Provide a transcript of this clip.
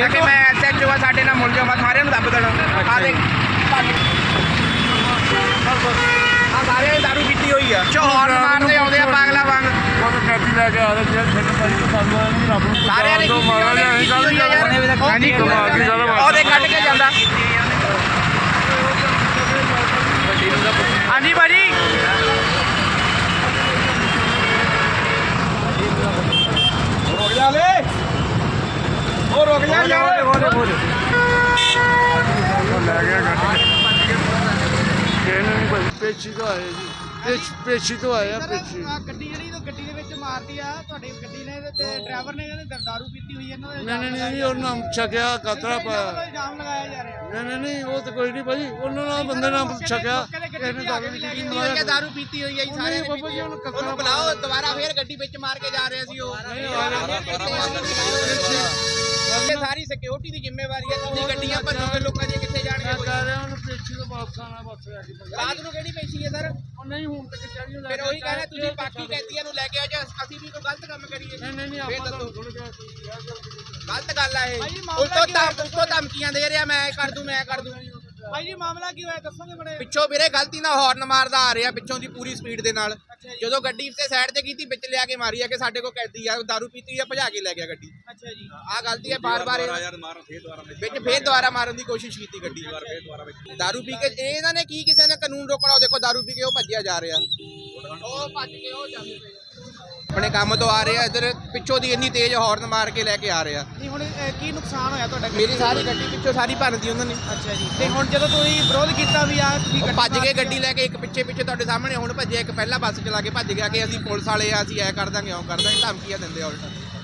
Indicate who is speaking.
Speaker 1: ਕਿ ਮੈਂ ਐਸਐਚਓ ਆ, ਸਾਡੇ ਨਾਲ ਮੁਲ ਜਾਊਗਾ, ਸਾਰਿਆਂ ਨੂੰ ਦੱਬ ਦੇਣਾ। ਆ ਦੇਖ ਆ ਸਾਰਿਆਂ ਨੇ ਦਾਰੂ ਪੀਤੀ ਹੋਈ ਆ, ਹੌਰਨ ਮਾਰਦੇ ਆਉਂਦੇ ਆ ਪਾਗਲਾ ਵਾਂਗ।
Speaker 2: ਕੈਦੀ ਲੈ ਕੇ ਆ ਰਹੇ
Speaker 1: ਸਾਰਿਆਂ ਨੇ ਉਹਦੇ ਕੱਢ ਕੇ ਜਾਂਦਾ। ਹਾਂਜੀ ਭਾਜੀ ਰੁਕ ਜਾ ਲੈ, ਉਹ ਰੁਕ ਜਾ ਯਾਰ।
Speaker 2: ਲੈ ਗਿਆ ਗੱਡੀ ਕਿਹਨੇ ਨਹੀਂ ਭਾਈ ਪੇਚੀ ਤੋਂ ਆਏ ਜੀ, ਪੇਚੀ ਤੋਂ ਆਏ ਆ। ਪੇਚੀ
Speaker 3: ਗੱਡੀ ਜਿਹੜੀ ਗੱਡੀ ਦੇ ਵਿੱਚ ਮਾਰਦੀ ਆ ਤੁਹਾਡੀ ਗੱਡੀ ਨੇ ਤੇ ਡਰਾਈਵਰ ਨੇ ਕਹਿੰਦੇ ਦਾਰੂ ਪੀਤੀ ਹੋਈ ਇਹਨਾਂ ਦੇ
Speaker 2: ਨਹੀਂ ਉਹਨਾਂ ਛਕਿਆ ਕਤਰਾ ਪਾਇਆ।
Speaker 3: ਇਲਜ਼ਾਮ ਲਗਾਇਆ ਜਾ ਰਿਹਾ।
Speaker 2: ਨਹੀਂ ਉਹ ਤਾਂ ਕੋਈ ਨਹੀਂ ਭਾਈ, ਉਹਨਾਂ ਨਾਲ ਬੰਦੇ ਨਾਲ ਛਕਿਆ ਕਿਸੇ ਨੇ ਦਾਰੂ ਪੀਤੀ ਹੋਈ ਹੈ।
Speaker 1: ਦਾਰੂ ਪੀਤੀ ਹੋਈ ਹੈ ਜੀ ਸਾਰਿਆਂ ਨੇ।
Speaker 2: ਬਾਬਾ ਜੀ
Speaker 1: ਉਹਨੂੰ ਬੁਲਾਓ ਦੁਬਾਰਾ, ਫੇਰ ਗੱਡੀ ਵਿੱਚ ਮਾਰ ਕੇ ਜਾ ਰਹੇ ਸੀ ਉਹ। ਇਹ ਸਾਰੀ ਸਿਕਿਉਰਿਟੀ ਦੀ ਜ਼ਿੰਮੇਵਾਰੀ ਹੈ। ਤੁਸੀਂ ਗੱਡੀਆਂ ਭੱਜੋਗੇ ਲੋਕਾਂ ਦੀਆਂ ਕਿੱਥੇ ਜਾਣਗੇ?
Speaker 2: ਕਹਿ ਰਿਹਾ ਉਹਨੂੰ ਪੇਚੀ ਤੋਂ ਵਾਪਸ ਆਣਾ, ਬਸ ਆ ਕੇ
Speaker 1: ਰਾਤ ਨੂੰ ਕਿਹੜੀ ਪੇਸ਼ੀ ਹੈ ਸਰ?
Speaker 2: ਉਹ ਨਹੀਂ ਹੁਣ ਤੱਕ ਚਾਹੀਏ।
Speaker 1: ਫਿਰ ਉਹੀ ਕਹਿੰਦਾ ਤੁਸੀਂ ਬਾਕੀ ਕੈਦੀਆਂ ਨੂੰ ਲੈ ਕੇ ਆਓ ਜਾਂ ਅਸੀਂ ਵੀ ਕੋਈ ਗਲਤ ਕੰਮ ਕਰੀਏ?
Speaker 2: ਨਹੀਂ ਆਪਾਂ ਤਾਂ ਸੁਣ ਗਿਆ
Speaker 1: ਗਲਤ ਗੱਲ ਆ ਇਹ। ਉਲਟੋ ਧਮਕੀਆਂ ਦੇ ਰਿਹਾ, ਮੈਂ ਕਰ ਦੂੰ ਮੈਂ ਕਰ ਦੂੰ।
Speaker 3: ਭਾਈ ਜੀ ਮਾਮਲਾ ਕੀ ਹੋਇਆ ਦੱਸੋਗੇ ਬੜੇ?
Speaker 1: ਪਿੱਛੋਂ ਵੀਰੇ ਗਲਤੀ ਨਾਲ ਹਾਰਨ ਮਾਰਦਾ ਆ ਰਿਹਾ ਪਿੱਛੋਂ ਦੀ ਪੂਰੀ ਸਪੀਡ ਦੇ ਨਾਲ। ਜਦੋਂ ਗੱਡੀ ਤੇ ਸਾਈਡ ਤੇ ਕੀਤੀ, ਵਿੱਚ ਲਿਆ ਕੇ ਮਾਰੀ ਆ ਕਿ ਸਾਡੇ ਕੋਲ ਕੈਦੀ ਆ, ਦਾਰੂ ਪੀਤੀ ਆ, ਭਜਾ ਕੇ ਲੈ ਗਿਆ ਗੱਡੀ।
Speaker 3: ਅੱਛਾ ਜੀ
Speaker 1: ਆਹ ਗਲਤੀ ਹੈ ਬਾਰ-ਬਾਰ ਵਿੱਚ ਫੇਰ ਦੁਬਾਰਾ ਮਾਰਨ ਦੀ ਕੋਸ਼ਿਸ਼ ਕੀਤੀ ਗੱਡੀ। ਦਾਰੂ ਪੀ ਕੇ ਇਹਨਾਂ ਨੇ ਕੀ ਕਿਸੇ ਨੇ ਕਾਨੂੰਨ ਰੋਕਣਾ? ਉਹ ਦੇਖੋ ਦਾਰੂ ਪੀ ਕੇ ਉਹ ਭੱਜਿਆ ਜਾ ਰਿਹਾ, ਉਹ ਭੱਜ ਕੇ ਉਹ ਜਾਂਦੇ ਪਏ ਆਪਣੇ ਕੰਮ ਤੋਂ ਆ ਰਿਹਾ, ਇੱਧਰ ਪਿੱਛੋਂ ਦੀ ਇੰਨੀ ਤੇਜ਼ ਹਾਰਨ ਮਾਰ ਕੇ ਲੈ ਕੇ ਆ ਰਿਹਾ।
Speaker 3: ਨਹੀਂ ਹੁਣ ਕੀ ਨੁਕਸਾਨ ਹੋਇਆ ਤੁਹਾਡਾ?
Speaker 1: ਮੇਰੀ ਸਾਰੀ ਗੱਡੀ ਪਿੱਛੋਂ ਸਾਰੀ ਭੰਨਦੀ ਉਹਨਾਂ ਨੇ।
Speaker 3: ਅੱਛਾ ਜੀ ਤੇ ਹੁਣ ਜਦੋਂ ਤੁਸੀਂ ਵਿਰੋਧ ਕੀਤਾ ਵੀ ਆ ਤੁਸੀਂ
Speaker 1: ਉਹ ਭੱਜ ਕੇ ਗੱਡੀ ਲੈ ਕੇ, ਇੱਕ ਪਿੱਛੇ ਤੁਹਾਡੇ ਸਾਹਮਣੇ ਹੁਣ ਭੱਜਿਆ, ਇੱਕ ਪਹਿਲਾਂ ਬੱਸ ਚਲਾ ਕੇ ਭੱਜ ਗਿਆ ਕਿ ਅਸੀਂ ਪੁਲਿਸ ਵਾਲੇ ਆ, ਅਸੀਂ ਐ ਕਰ ਦਾਂਗੇ ਉਹ ਕਰ ਦਾਂਗੇ, ਧਮਕੀਆਂ ਦਿੰਦੇ ਆ ਉਲਟਾ।